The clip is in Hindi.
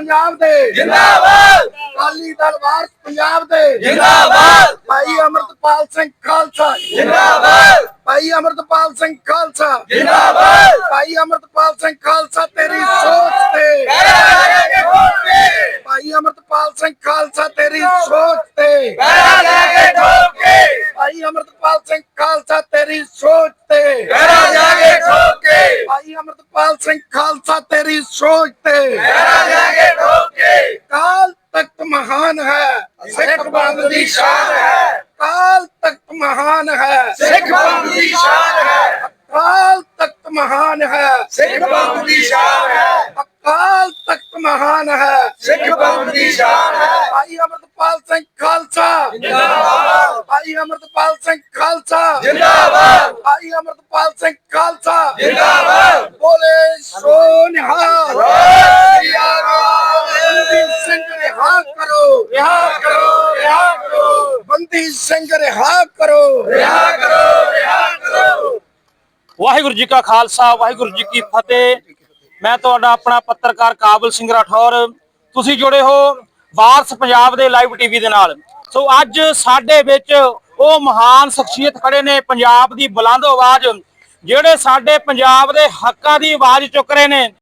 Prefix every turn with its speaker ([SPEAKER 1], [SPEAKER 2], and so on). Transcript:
[SPEAKER 1] पंजाब दे
[SPEAKER 2] जिंदाबाद
[SPEAKER 1] अकाली दल वारस पंजाब दे
[SPEAKER 2] जिंदाबाद
[SPEAKER 1] भाई अमृतपाल सिंह खालसा
[SPEAKER 2] जिंदाबाद
[SPEAKER 1] भाई अमृतपाल सिंह खालसा
[SPEAKER 2] जिंदाबाद
[SPEAKER 1] भाई अमृतपाल सिंह खालसा तेरी सोच ते
[SPEAKER 2] पैरा जाके ठोक के
[SPEAKER 1] भाई अमृतपाल सिंह खालसा तेरी सोच ते
[SPEAKER 2] पैरा जाके ठोक के
[SPEAKER 1] भाई अमृतपाल सिंह खालसा तेरी सोच ते
[SPEAKER 2] पैरा जाके ठोक के
[SPEAKER 1] भाई अमृतपाल सिंह खालसा तेरी सोच ते
[SPEAKER 2] पैरा जाके ठोक के
[SPEAKER 1] काल तख्त महान है
[SPEAKER 2] सिख पंथ दी शान है
[SPEAKER 1] काल तख्त महान है
[SPEAKER 2] सिख पंथ दी शान है
[SPEAKER 1] काल तख्त महान है
[SPEAKER 2] सिख पंथ दी शान है
[SPEAKER 1] अकाल तख्त महान है
[SPEAKER 2] सिख पंथ दी शान है
[SPEAKER 1] भाई अमृतपाल सिंह खालसा
[SPEAKER 2] जिंदाबाद
[SPEAKER 1] भाई अमृतपाल सिंह खालसा
[SPEAKER 2] जिंदाबाद
[SPEAKER 1] भाई अमृतपाल सिंह खालसा
[SPEAKER 2] जिंदाबाद
[SPEAKER 1] बोले सो निहाल बंदी सिंह रिहा करो
[SPEAKER 2] रिहा करो रिहा करो
[SPEAKER 1] बंदी सिंह रिहा करो
[SPEAKER 2] रिहा करो रिहा करो।
[SPEAKER 3] वाहिगुरु जी का खालसा वाहिगुरु जी की फतेह। मैं ਤੁਹਾਡਾ ਆਪਣਾ ਪੱਤਰਕਾਰ ਕਾਬਲ ਸਿੰਘ ਰਾਠੌਰ। ਤੁਸੀਂ ਜੁੜੇ ਹੋ ਵਾਰਸ ਪੰਜਾਬ ਦੇ ਲਾਈਵ ਟੀਵੀ ਦੇ ਨਾਲ। ਸੋ ਅੱਜ ਸਾਡੇ ਵਿੱਚ ਉਹ ਮਹਾਨ ਸ਼ਖਸੀਅਤ ਖੜੇ ਨੇ ਪੰਜਾਬ ਦੀ ਬੁਲੰਦ ਆਵਾਜ਼, ਜਿਹੜੇ ਸਾਡੇ ਪੰਜਾਬ ਦੇ ਹੱਕਾਂ ਦੀ ਆਵਾਜ਼ ਚੁੱਕ ਰਹੇ ਨੇ।